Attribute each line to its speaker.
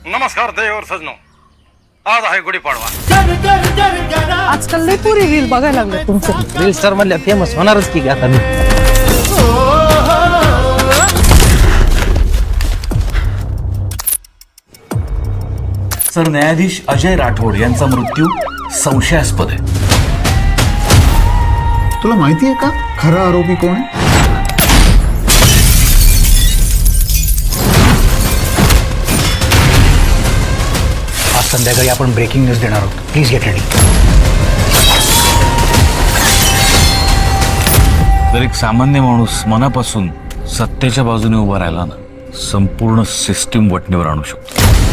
Speaker 1: नमस्कार देवर सजनो, आज आहे गुढीपाडवा.
Speaker 2: आजकाल लई पुरी रील बघायला लागले तुमचं.
Speaker 3: रील स्टार मधल्या फेमस होणारच की आता मी.
Speaker 4: सरन्यायाधीश अजय राठोड यांचा मृत्यू संशयास्पद आहे.
Speaker 5: तुला माहिती आहे का खरा आरोपी कोण आहे?
Speaker 3: आज संध्याकाळी आपण ब्रेकिंग न्यूज देणार आहोत. Please get ready.
Speaker 4: जर एक सामान्य माणूस मनापासून सत्तेच्या बाजूने उभा राहिला ना, संपूर्ण सिस्टीम वटणीवर आणू शकतो.